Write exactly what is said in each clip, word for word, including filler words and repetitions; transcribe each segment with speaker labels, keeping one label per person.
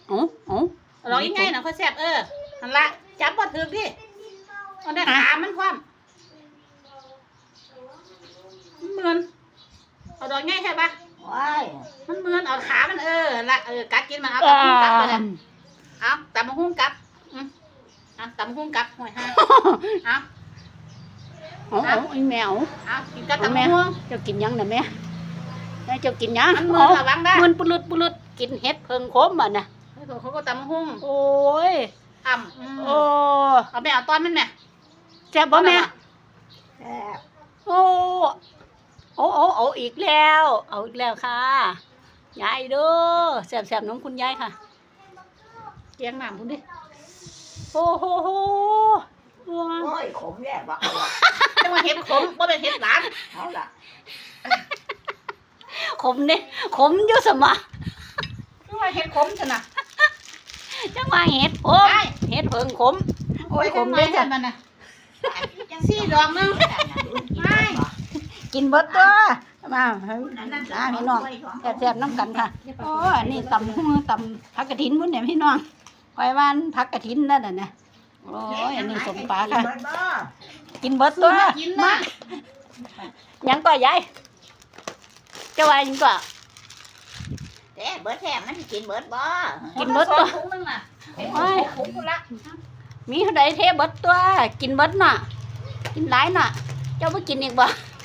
Speaker 1: อ๋ออ๋อ
Speaker 2: ร้องยังไงนะเขาแซ่บเออนั่นละจับบ่ถึกดิเอาได้ขามันความมันเหมือนเอาดอกง่ายใช่ปะ
Speaker 3: ว้าย
Speaker 2: มันเหมือนเอาขามันเออละเออกัดกินมันเอาตำหุ้งกัดไปเลยเอาตำหุ้งกัดอืมเอาตำหุ้งกัดห่วยห้าเอา
Speaker 1: อ๋ออ๋อไอ้แมว
Speaker 2: เอากินกัด
Speaker 1: เอา
Speaker 2: ตำ
Speaker 1: แม่
Speaker 2: หุ้ง
Speaker 1: เจ้ากินยังน่ะแม่แม่เจ้ากินยัง
Speaker 2: มันเหมือนระวังได้
Speaker 1: มันปุลุดปุลุดกินเห็ดเพิงโคมอ่ะนะ
Speaker 2: เขาก็ตำหุ้ง
Speaker 1: โอ้ย
Speaker 2: อ่ำ
Speaker 1: โอ้
Speaker 2: เอาแม่เอาต้อนมันแม่
Speaker 1: แซ่บบ่แม่
Speaker 3: แซ่บ
Speaker 1: โอ้โอ้โอ้เอาอีกแล้วเอาอีกแล้วค่ะยายเด้อแซ่บๆน้องคุณยายค่ะ
Speaker 2: เกียงน้ำพุ่นดิ
Speaker 1: โอ้โหโหว้า
Speaker 3: โอ้ยขมแย่บักเอาล่ะ
Speaker 2: จังว่าเห็ดขมว่าเป็นเห็ดหลาน
Speaker 3: เอาล่ะ
Speaker 1: ขมเนี่ยขมอยู่สมะ
Speaker 2: คือว่าเห็ดขมชนะ
Speaker 1: จังว่าเห็ดขมเห็ดเพิงขมโอ้ยขม
Speaker 2: เล
Speaker 1: เด้
Speaker 2: ย
Speaker 1: อ
Speaker 2: จ้ะ
Speaker 1: จ้ะ
Speaker 2: มันน่ะ สี่ดอกนึง ไม่
Speaker 1: กินเบิดตัวมามาพี่น้องแซ่บๆน้ำกันค่ะโอ้อันนี้ตำหุ้งตำผักกระถินพุ่นเนี่ยพี่น้องคอยว่าผักกระถินนั่นน่ะนะโอ้ยอันนี้สมปลาค่ะ กินเบิดตัว
Speaker 2: กินนะ
Speaker 1: มายังก็ยายเจ้าว่ายังก็
Speaker 3: แต่เบิดแท้มันกินเบิดบ่
Speaker 1: กินเบิดตัว
Speaker 2: ถุงนึงน่ะเป็น
Speaker 1: โอ้ย
Speaker 2: ถุงกูละ
Speaker 1: มีเท่าใดเทเบิดตัว กินเบิดน่ะ กินหลายน่ะ เจ้าบ่กินอีกบ่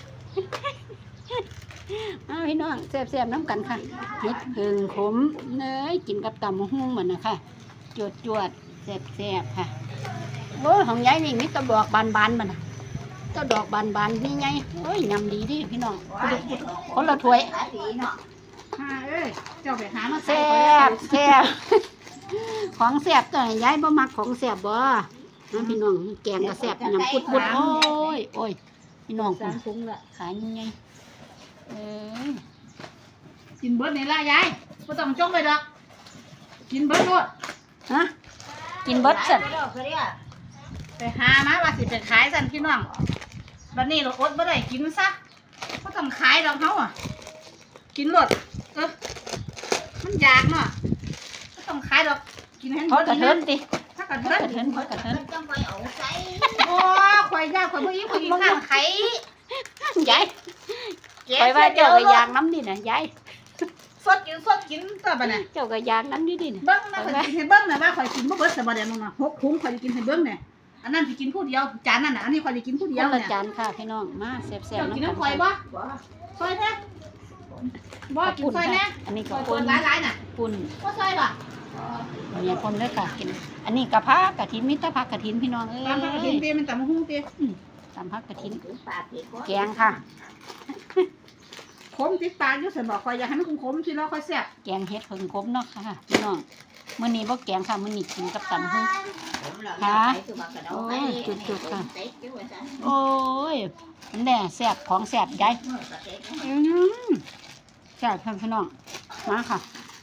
Speaker 1: มาพี่น้องแซ่บๆน้ำกันค่ะเห็ดเพิงขมเนยกินกับตำมะฮุ่งเหมือนนะคะจวดจวดๆแซ่บๆค่ะโอ้ยของยายนี่มีแตะดอกบานๆมันน่ะแตะดอกบานๆนี่ไงโอ้ยยำดีดิพี่น้องคนละถ้วย
Speaker 3: หาดีเนาะ
Speaker 2: หาเอ้ยเจ้าไปหามาใส่
Speaker 1: แซ่
Speaker 2: ก่อนเลย
Speaker 1: บแซ่บ ของแซ่บตัวนี้ยายบ่มักของแซ่บบ่นะพี่น้องแกงก็แซ่บยำปุดๆโอ้ยโอ้ยพี่น้อง
Speaker 2: สามถุงละ
Speaker 1: ขายยังไงเอ้ย
Speaker 2: กินเบิดนี่ละยายบ่ต้องจงไปดอก กินเบิดโลด
Speaker 1: ฮะกินเบิดสัน
Speaker 3: ไปดอกเขาเรียก
Speaker 2: ไปหามาว่าสิไปขายสั่นพี่น้องบัดนี้เราอดบ่ได้กินซะบ่ต้องขายดอกเฮาอ่ะ กินโลดเออมันอยากเนาะบ่ต้องขายดอก กินให้
Speaker 1: เขากระเทินติ
Speaker 2: ถ้ากระ
Speaker 1: เขา
Speaker 2: เทิน
Speaker 1: กระเทินเขากระเทิน
Speaker 3: มันต้องไปเอาใส่
Speaker 2: โอ้ข่อยยากข่อยบ่ยิ้มข่อยกินข้างไข่
Speaker 1: ยายไปว่าเจ้าก็ยางน้ำดิน่ะยาย
Speaker 2: สดกินสดกินตัวบัดน่ะ
Speaker 1: เจ้าก็ยางน้ำดิดิน่ะ
Speaker 2: เบิ้งนะข่อยกินให้เบิ้งนะว่าข่อยกินบ่เบิดซะบ่เดี๋ยวนึงน่ะหกถุงข่อยสิกินให้เบิ้งเนี่ยอันนั้นสิกินผู้เดียวจานนั้นน่ะอันนี้ข่อยสิกินผู้
Speaker 1: ค
Speaker 2: เดียวน
Speaker 1: ละ
Speaker 2: เนี่ย
Speaker 1: จานค่ะพี่น้องมาแซ่บ
Speaker 2: เจ้า
Speaker 1: ๆ
Speaker 2: กิน
Speaker 1: น้ำกัน
Speaker 2: น้ำข่อยบ่
Speaker 3: บ่
Speaker 2: ซอยแท้บ่กินซอยแน่
Speaker 1: อันนี้
Speaker 2: ซ
Speaker 1: ก็
Speaker 2: อย
Speaker 1: ค
Speaker 2: คน
Speaker 1: น
Speaker 2: หลายๆน่ะ
Speaker 1: ปุ่น
Speaker 2: บ่ซอยบ่
Speaker 1: เมียคนเลยค่ะกิน อันนี้กะพักกะทินมิตรพักกะทินพี่น้องเอ้ย
Speaker 2: ตามผักกระเทียมเตมันตำหุ้งเต
Speaker 1: ตามพักกะทิน
Speaker 3: ถึงปากอีก
Speaker 1: แกงค่ะ
Speaker 2: ขมติดปากอยู่ซั่นบ่ข่อยอยากให้มันขมๆสิแล้วค่อยแซ่บ
Speaker 1: แกงเฮ็ดเพิ่งครบเนาะค่ะพี่น้องมื้อนี้บ่แกงค่ะมื้อนี้กินกับตำหู
Speaker 3: ค่ะโอ้ยจุดๆค่ะ
Speaker 1: โอ้ยแน่แซ่บของแซ่บยายอืมแซ่บค่ะพี่น้องมาค่ะ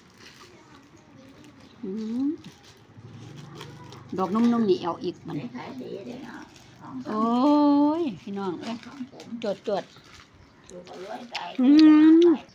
Speaker 1: อืมดอกนุ่มๆนี่เอาอีกมันโอ้ยพี่น้องเอ้ยจวดๆอืม